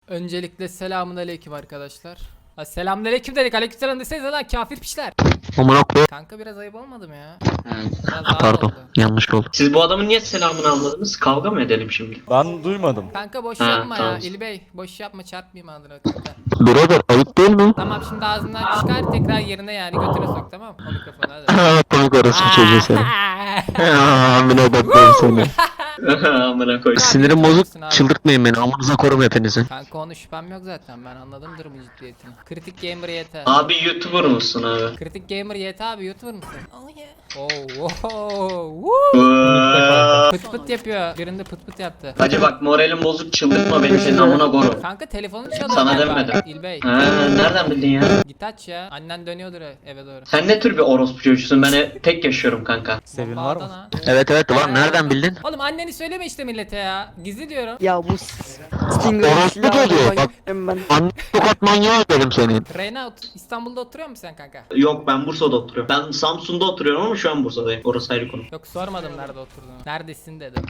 Öncelikle selamünaleyküm arkadaşlar. Ha, selamünaleyküm dedik. Aleykümselam desenize lan kafir piçler. Amına koy. Kanka biraz ayıp olmadı mı ya? Evet. Biraz daha Pardon. oldu. Yanlış oldu. Siz bu adamın niye selamını almadınız? Kavga mı edelim şimdi? Ben duymadım. Kanka boş Ha, yapma tamam. ya İlbey. Boş yapma çarpmayayım adına kanka. Birader ayıp değil mi? Tamam şimdi ağzından çıkar tekrar yerine yani götüne sok tamam mı? O mikrofonu hadi. Komik orası bir çocuğu seni. Amına koyayım seni. Amına koy. Sinirim Abi. bozuk. Çıldırtmayın beni. Amınıza korum hepinizin. Kanka onun şüphem yok zaten ben anladımdır bu ciddiyetini. Kritik Gamer YT. Abi YouTuber musun abi? Kritik Gamer YT abi YouTuber musun? Oh yeah. Oh, pıt pıt yapıyor. Birinde pıt pıt yaptı. Hacı bak moralim bozuk çıldırtma beni senin amına korum. Kanka telefonun çalıyor. Sana galiba. demedim. İlbey. Ha, nereden bildin ya? Git aç ya. Annen dönüyordur eve doğru. Sen ne tür bir orospu çocuğusun? Ben tek yaşıyorum kanka. Sevin var mı? Bağdan ha. Evet evet var. Nereden bildin? Oğlum anneni söyleme işte millete ya. Gizli diyorum. Ya bu Stinger Orospu silahı çocuğu, bak. ben. Anne tokat manyağı dedim senin. Reyna İstanbul'da oturuyor musun sen kanka? Yok ben Bursa'da oturuyorum. Ben Samsun'da oturuyorum ama şu an Bursa'dayım. Orası ayrı konu. Yok sormadım nerede oturduğunu. Neredesin dedim.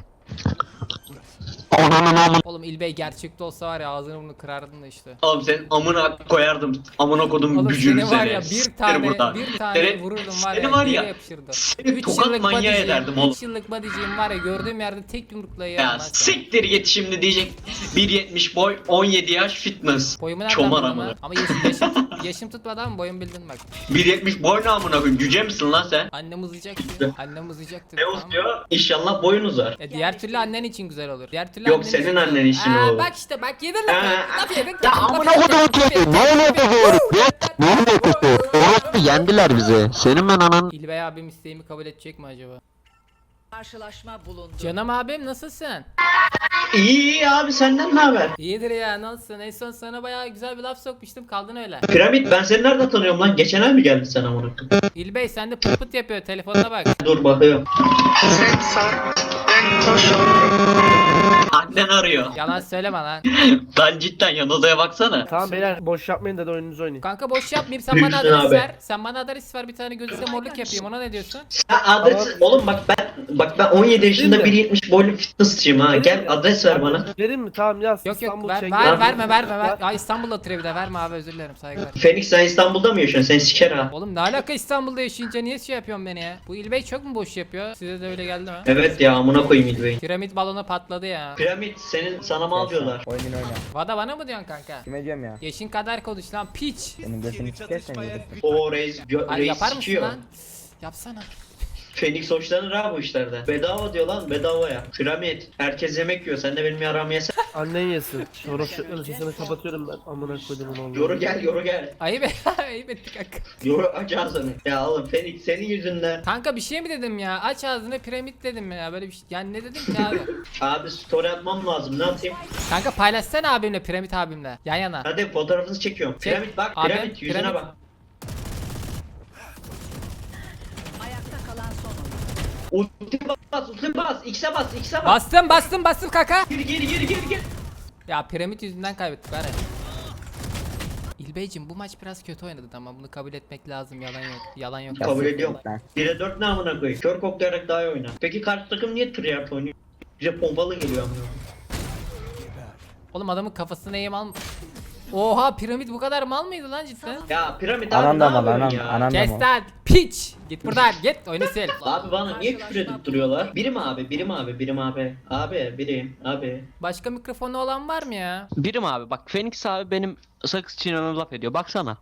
Ananın amın. Oğlum İlbey gerçekte olsa var ya ağzını bunu kırardın da işte. Oğlum senin amına koyardım. Amına kodum Oğlum gücünü seni var seni. ya Siktir buradan. bir tane Seni- vururdum var seni ya. var geri ya, yapışırdı. seni 3 tokat yıllık manyağı bodyciğim, ederdim oğlum. 3 yıllık bodyciğim var ya gördüğüm yerde tek yumrukla Ya yerim ben seni. siktir git şimdi diyecek 1.70 boy 17 yaş fitness. Boyumu nereden Çomar buldun amına. lan? Ama yaşım tutmadan boyum bildin bak. 1.70 boy ne amına koyayım? Cüce misin lan sen? Annem uzayacak diyor. Annem uzayacak diyor. Ne tamam mı? uzuyor? İnşallah boyun uzar. Diğer türlü annen için güzel olur. Diğer türlü Yok, annen senin için annen için Aa, olur. bak işte bak yedin lafı. Laf yedin. Ya amına koyduğum çocuğu. Ne oluyor bu doğru? Ne oluyor bu doğru? Orospu yendiler bizi. Senin ben anan. İlbey abim isteğimi kabul edecek mi acaba? Karşılaşma bulundu. Canım abim nasılsın? İyi abi senden ne haber? İyidir ya nasılsın? En son sana bayağı güzel bir laf sokmuştum kaldın öyle. Piramit ben seni nereden tanıyorum lan? Geçen ay mı geldin sen amına koyayım? İlbey sen de pıt pıt yapıyor telefonuna bak. Dur bakıyorum. Annen arıyor. Yalan söyleme lan. Lan cidden yan odaya baksana. Tamam beyler boş yapmayın da oyununuzu oynayın. Kanka boş yapmayayım sen bana Büyüksün adres abi. ver. Sen bana adres ver bir tane gözüne morluk yapayım ona ne diyorsun? Ya adres oğlum bak ben 17 yaşında Değil mi? 1.70 boylu fitnessçıyım ha. Gel adres ver bana. Verin mi? Tamam yaz. Yok İstanbul ver Schengen. ver Abi. verme. Ay İstanbul'da oturuyor bir de verme abi özür dilerim saygılar. Phoenix sen İstanbul'da mı yaşıyorsun? Sen siker ha. Oğlum ne alaka İstanbul'da yaşayınca niye şey yapıyorsun beni ya? Bu İlbey çok mu boş yapıyor? Size de öyle geldi mi? Evet ya amına koyayım İlbey. Piramit balonu patladı ya. Piramit senin sana mal diyorlar. Oyunun oyna. Vada bana mı diyorsun kanka? Kime diyorum ya? Yaşın kadar konuş lan piç. Senin götünü sikersen yedir. O reis, Ay reis yapar mısın sikiyor. lan? Yapsana. Phoenix hoşlanır ha bu işlerden. Bedava diyor lan bedava ya. Piramit. Herkes yemek yiyor. Sen de benim yaramı yesen. Annen yesin. Orospu'nun sesini kapatıyorum ben. Amına koydum onu. Yoru gel. Ayıp ayıp etti kanka. Yoru aç ağzını. Ya oğlum Phoenix senin yüzünden. Kanka bir şey mi dedim ya? Aç ağzını piramit dedim ya. Böyle bir şey. Yani ne dedim ki abi? Abi story atmam lazım. Ne yapayım? Kanka paylaşsana abimle piramit abimle. Yan yana. Hadi fotoğrafınızı çekiyorum. Çek. Piramit bak. Abi, Piramit yüzüne piramit. bak. Ayakta kalan son oyuncu. Ulti bas. X'e bas. X'e bas. Bastım kanka. Gir. Ya piramit yüzünden kaybettik hadi. İlbeyciğim bu maç biraz kötü oynadın ama bunu kabul etmek lazım yalan yok. Kabul ediyorum. Lan. 1'e 4 ne amına koyayım? Kör koklayarak daha iyi oyna. Peki karşı takım niye tryhard oynuyor? Bize pompalı geliyor amına koyayım. Oğlum adamın kafasına eğim al. Oha piramit bu kadar mal mıydı lan cidden? Ya piramit abi Anam ne da mal yapıyorsun anam. ya? Anam da Kes mal. lan piç. Git buradan git oyunu sil. Abi bana niye küfür edip duruyorlar? Birim abi. Abi birim abi. Başka mikrofonu olan var mı ya? Birim abi bak Phoenix abi benim sakız çiğnememe laf ediyor. Baksana.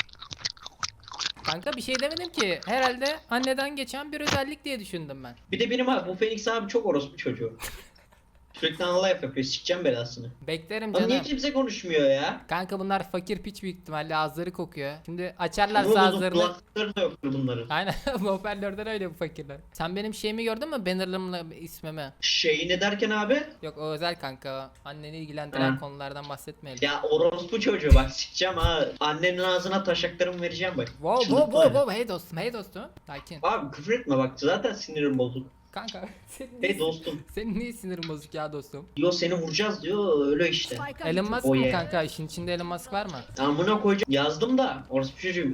Kanka bir şey demedim ki. Herhalde anneden geçen bir özellik diye düşündüm ben. Bir de benim abi bu Phoenix abi çok orospu çocuğu. Sürekli anla yapıyor. Sikeceğim belasını. Beklerim Ama niye canım. kimse konuşmuyor ya? Kanka bunlar fakir piç büyük ihtimalle ağızları kokuyor. Şimdi Bu açarlarsa ağızlarını. kulakları da yoktur bunların. Aynen hoparlörden öyle bu fakirler. Sen benim şeyimi gördün mü? Banner'ımla ismimi. Şeyi ne derken abi? Yok o özel kanka. Anneni ilgilendiren Hı. konulardan bahsetmeyelim. Ya orospu çocuğu bak sikeceğim ha. Annenin ağzına taşaklarımı vereceğim bak. Wow. Hey dostum. Sakin. Abi küfür etme bak zaten sinirim bozuk. Kanka senin, Hey dostum. senin niye sinirin bozuk ya dostum? Diyor seni vuracağız diyor öyle işte. Spike'a Elon Musk Oh mı yeah. kanka? İşin içinde Elon Musk var mı? Amına koyacağım. Yazdım da orospu çocuğu.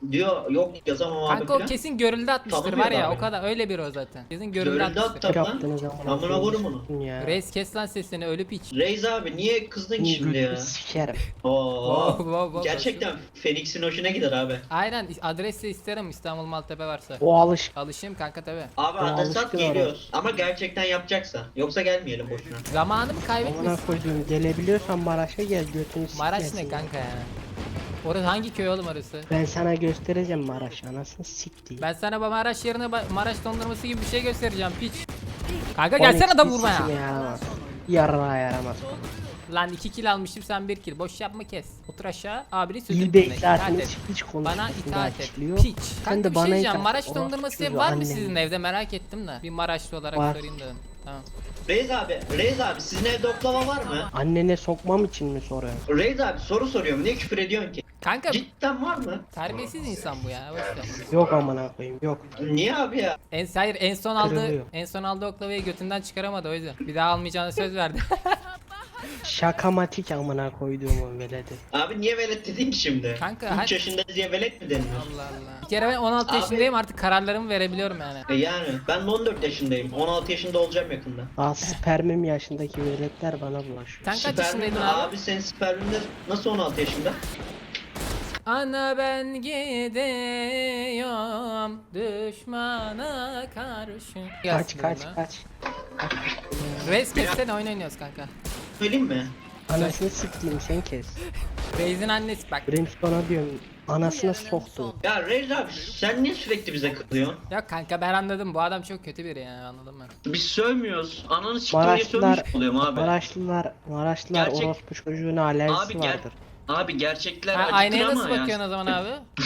Diyor yok yazamam abi Kanka o falan. kesin görüldü atmıştır Tanımıyor var ya abi. o kadar öyle biri o zaten. Kesin görüldü Görüldü atmıştır. attı lan. Yaptığınız zaman. Amına koyayım onu. Ya. Reis kes lan sesini ölü piç. Reis abi niye kızdın ki şimdi ya? Sikerim. Oo. Wow. Gerçekten Felix'in hoşuna gider abi. Aynen adres de isterim İstanbul Maltepe varsa. O alış. Alışayım kanka tabi. Abi Ya, adres at alışkın geliyoruz. Ama gerçekten yapacaksa. Yoksa gelmeyelim boşuna. Zamanımı Amına kaybetmesin. koyduğum gelebiliyorsan Maraş'a gel götünü Maraş sikersin ne ya. kanka ya? Orası hangi köy oğlum orası? Ben sana göstereceğim Maraş anasını siktiğim. Ben sana Maraş yerine Maraş dondurması gibi bir şey göstereceğim piç. Kanka gelsene da vurma ya. Yaramaz. Yarra yaramaz. Lan 2 kill almıştım sen 1 kill. Boş yapma kes. Otur aşağı abini sözünü İlbey dinle. zaten İtaat et. hiç Bana konuşmasın itaat et. açıklıyor. Piç. Sen Kanka de bir şey bana diyeceğim. itaat Maraş et. dondurması Orospu var mı annem. sizin evde merak ettim de. Bir Maraşlı olarak Var. sorayım dedim. Tamam. Reis abi sizin evde oklava var mı? Annene sokmam için mi soruyorsun? Reis abi soru soruyorum. Niye küfür ediyorsun ki? Kanka Cidden var mı? terbiyesiz insan bu ya. Boş ver. Yok amına koyayım yok. Niye abi ya? Hayır Kırılıyor. en son aldığı oklavayı götünden çıkaramadı o yüzden. Bir daha almayacağını söz verdi. Şakamatik amına koyduğumun veledi. Abi niye velet dedin ki şimdi? Kanka, 3 hadi. yaşında diye velet mi deniyor? Allah Allah. Bir kere ben 16 Abi- yaşındayım artık kararlarımı verebiliyorum yani. Yani ben de 14 yaşındayım. 16 yaşında olacağım yakında. Daha spermim yaşındaki veletler bana bulaşıyor. Sen kaç yaşındaydın abi? Abi senin sperminde nasıl 16 yaşında? Ana ben gidiyorum düşmana karşı. Kaç Gelsin kaç dedim ha. kaç. Reis kessene oyun oynuyoruz kanka. Söyleyeyim mi? Anasını siktiğim sen kes. Reis'in annesi bak. Brimstone'a diyorum anasına soktu. Ya Reis abi sen niye sürekli bize kızıyorsun? Ya kanka ben anladım bu adam çok kötü biri yani anladın mı? Biz sövmüyoruz. Ananı siktir diye Maraşlılar, sövmüş oluyorum abi. Maraşlılar Gerçek- orospu çocuğuna alerjisi Abi gel. vardır. Abi gerçekler Ha, acıtır aynaya ama nasıl ya. bakıyorsun o zaman abi?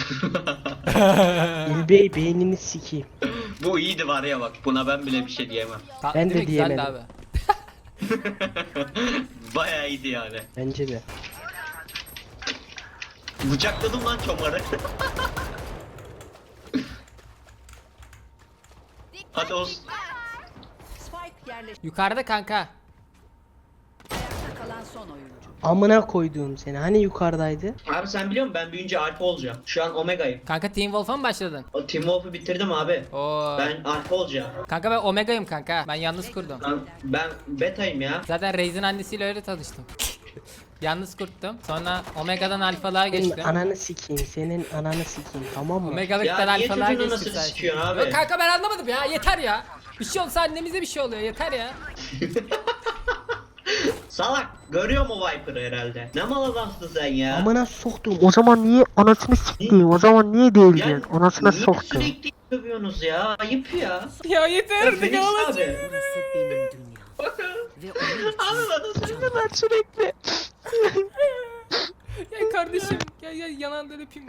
İlbey beynini sikeyim. Bu iyiydi var ya bak. Buna ben bile bir şey diyemem. Ben de Değil mi? Güzeldi diyemedim. abi. Bayağı iyiydi yani. Bence de. Bıçakladım lan çomarı. Hadi olsun. Spike yerleşti. Yukarıda kanka. Ayakta kalan son oyuncu. Amına koyduğum seni. Hani yukarıdaydı? Abi sen biliyor musun ben büyüyünce alfa olacağım. Şu an omega'yım. Kanka Team Wolf'a mı başladın? O Team Wolf'u bitirdim abi. Oo. Ben alfa olacağım. Kanka ben Omega'yım kanka. Ben yalnız kurdum. Ben beta'yım ya. Zaten Reis'in annesiyle öyle tanıştım. Yalnız kurttum. Sonra Omega'dan alfalığa Senin geçtim. ananı sikeyim. Senin ananı sikeyim. Tamam mı? Omegalıktan Ya niye alfalığa çocuğunu geçtim nasıl sen. sikiyorsun abi? Yok kanka ben anlamadım ya yeter ya. Bir şey olsa annemize bir şey oluyor yeter ya. Salak. Görüyor mu Viper'ı herhalde? Ne mal adamsın sen ya? Amına soktum. O zaman niye anasını sikeyim? O zaman niye değil Ya diyorsun? Anasına niye soktum. sürekli dövüyorsunuz ya? Ayıp ya. Ya yeter artık Felix ağlasın. abi. Burası benim dünyam. Ve onun için Abi bana Ben sürekli. Ya kardeşim gel yanağından öpeyim.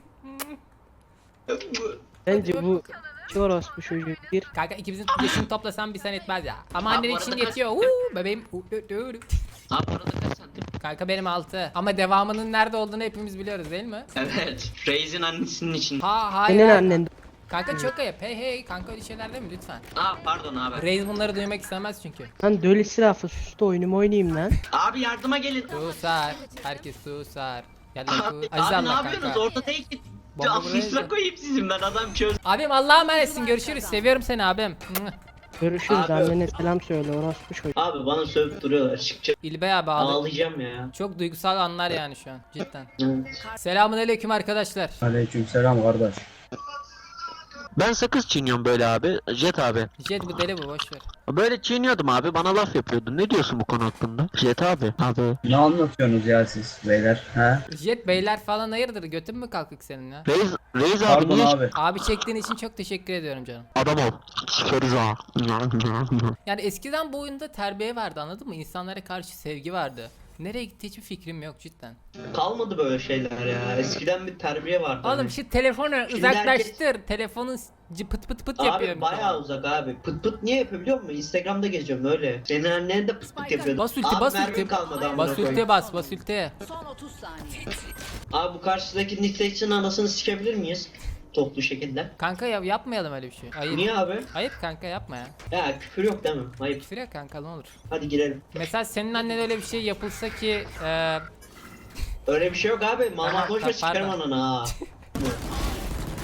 Bence bu orospu çocuğu bir. Kanka ikimizin yaşını toplasan bir sen etmez ya. Ama Abi annen bu için arada yetiyor. Bebeğim. Abi arada kaç santim? Kanka benim 6. Ama devamının nerede olduğunu hepimiz biliyoruz değil mi? Evet. Reis'in annesinin için. Hayır. Senin annen. Kanka çok ayıp. Hey kanka öyle şeyler değil mi lütfen? Pardon abi. Reis bunları duymak istemez çünkü. Lan dölü silahı sus da oyunumu oynayayım lan. Abi yardıma gelin. Susar. Herkes susar. Gel lan Abi, Aziz abi ne Allah yapıyorsunuz? kanka. Orada tek git. Bomba Afisine buraya- koyayım sizin ben adam çöz. Abim Allah'a emanetsin görüşürüz. Seviyorum seni abim. Görüşürüz Abi. annene selam söyle orospu çocuğu. Abi bana sövüp duruyorlar. Çıkacak. İlbey abi ağladı. Ağlayacağım ya. Çok duygusal anlar yani şu an cidden. Evet. Selamünaleyküm arkadaşlar. Aleykümselam kardeş. Ben sakız çiğniyorum böyle abi. Jet abi. Jet bu deli bu boş ver. Böyle çiğniyordum abi. Bana laf yapıyordun. Ne diyorsun bu konu hakkında? Jet abi. Abi. Ne anlatıyorsunuz ya siz beyler? Ha? Jet beyler falan hayırdır götün mü kalkık senin ya? Reis abi Pardon niye abi. Abi çektiğin için çok teşekkür ediyorum canım. adam ol? Sikeriz ha. Yani eskiden bu oyunda terbiye vardı anladın mı? İnsanlara karşı sevgi vardı. Nereye gitti hiçbir fikrim yok cidden. Kalmadı böyle şeyler ya. Eskiden bir terbiye vardı. Oğlum hani. şu telefonu Şimdi uzaklaştır. Telefonun pıt pıt pıt yapıyor. Abi bayağı uzak abi. Pıt pıt niye yapıyor biliyor musun? Instagram'da geziyorum öyle. Senin annen de pıt pıt yapıyordu. Bas ulti Abi bas mermim ulti. kalmadı amına Bas koyayım. ulti bas ulti. son 30 saniye. Abi bu karşıdaki Nitex'in anasını sikebilir miyiz? Toplu şekilde. Kanka yapmayalım öyle bir şey. Ayıp. Niye abi? Ayıp kanka yapma ya. Ya küfür yok değil mi? Ayıp. Küfür yok kanka ne olur. Hadi girelim. Mesela senin annen öyle bir şey yapılsa ki Öyle bir şey yok abi. Aha, Mama boş ver sikerim pardon. ananı ha.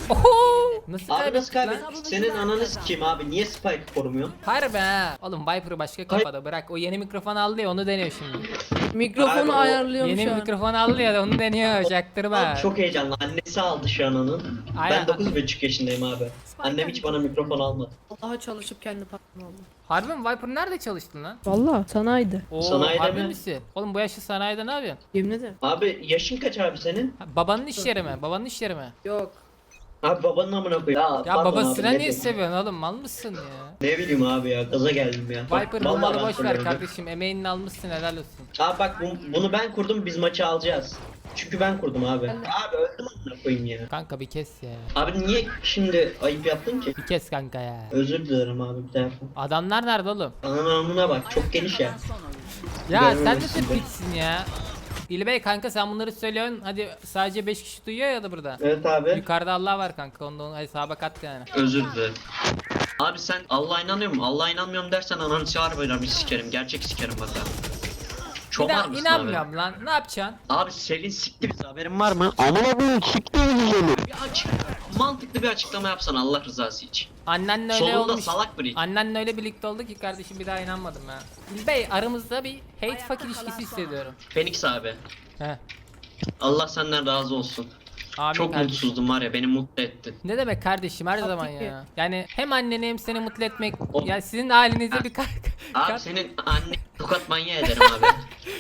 Oho! Nasıl Abi nasıl kaybettik lan? kaybettik? Senin ananı sikeyim abi. Niye Spike korumuyorsun? Harbi ha. Oğlum Viper başka kafada bırak. O yeni mikrofon aldı ya onu deniyor şimdi. Mikrofonu Abi, ayarlıyorum Yeni şu an. mikrofon aldı ya onu deniyor. Çaktırma. Abi çok heyecanlı. Annesi aldı şu an onun. Aynen. Ben 9,5 yaşındayım abi. Annem hiç bana mikrofon almadı. Allah'a çalışıp kendi patron oldu. Harbi mi? Viper nerede çalıştın lan? Valla sanayide. Oo, Sanayide harbi mi? misin? Oğlum bu yaşlı sanayide ne yapıyorsun? Yemin ederim. Abi yaşın kaç abi senin? Ha, babanın iş yeri mi? Babanın iş yeri mi? Yok. Abi babanın amına koyayım. Ya pardon babasına abi, niye ne seviyorsun oğlum? Mal mısın ya? Ne bileyim abi ya. Gaza geldim ya. Viper Vallahi bunları ben boş ver söylüyorum. kardeşim. Emeğini almışsın helal olsun. Abi bak bunu ben kurdum, biz maçı alacağız. Çünkü ben kurdum abi. Abi öldüm amına koyayım ya. Kanka bir kes ya. Abi niye şimdi ayıp yaptın ki? Bir kes kanka ya. Özür dilerim abi bir defa. Adamlar nerede oğlum? Ananın amına bak çok geniş ya. Kalan son oyuncu. Ya sen Görmemişsin nasıl be. bitsin ya? İlbey kanka sen bunları söylüyorsun. Hadi sadece 5 kişi duyuyor ya da burada. Evet abi. Yukarıda Allah var kanka. Onu hesaba kat yani. Özür dilerim. Abi sen Allah'a inanıyor musun? Allah'a inanmıyorum dersen ananı çağır böyle bir sikerim. Gerçek sikerim bak ha. Çomar mısın abi? İnanmıyorum lan. Ne yapacaksın? Abi Selin sikti bizi haberin Var mı? Amına koyayım siktir seni. Bir açık, mantıklı bir açıklama yapsan Allah rızası için. Annenle öyle Solunda olmuş. salak biri. Annenle öyle birlikte olduk ki kardeşim bir daha inanmadım ya. İlbey aramızda bir hate fuck ilişkisi hissediyorum. Phoenix abi. He. Allah senden razı olsun. Amin Çok kardeşim. mutsuzdum var ya, beni mutlu ettin. Ne demek kardeşim her zaman Tabii ki. ya. Yani hem anneni hem seni mutlu etmek. O- Yani sizin halinize bir Abi senin anne tokat manyağı ederim abi.